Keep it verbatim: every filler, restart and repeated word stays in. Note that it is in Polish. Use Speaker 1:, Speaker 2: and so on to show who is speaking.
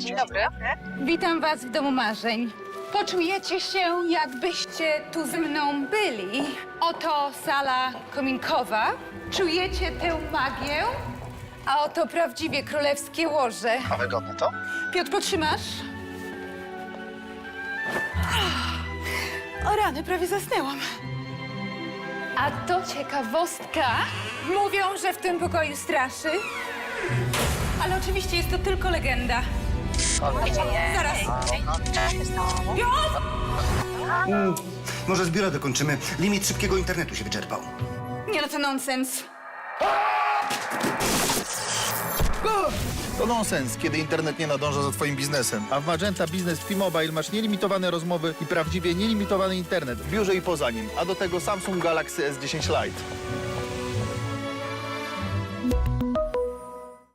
Speaker 1: Dzień dobry.
Speaker 2: Witam was w domu marzeń. Poczujecie się, jakbyście tu ze mną byli. Oto sala kominkowa. Czujecie tę magię? A oto prawdziwie królewskie łoże.
Speaker 1: A wygodne to?
Speaker 2: Piotr, potrzymasz? O rany, prawie zasnęłam. A to ciekawostka. Mówią, że w tym pokoju straszy. Ale oczywiście jest to tylko legenda. Zaraz. Piotr!
Speaker 3: Może z biura dokończymy. Limit szybkiego internetu się wyczerpał.
Speaker 2: Nie no, to nonsens.
Speaker 4: To nonsens, kiedy internet nie nadąża za twoim biznesem. A w Magenta Business T-Mobile masz nielimitowane rozmowy i prawdziwie nielimitowany internet w biurze i poza nim. A do tego Samsung Galaxy S dziesięć Lite.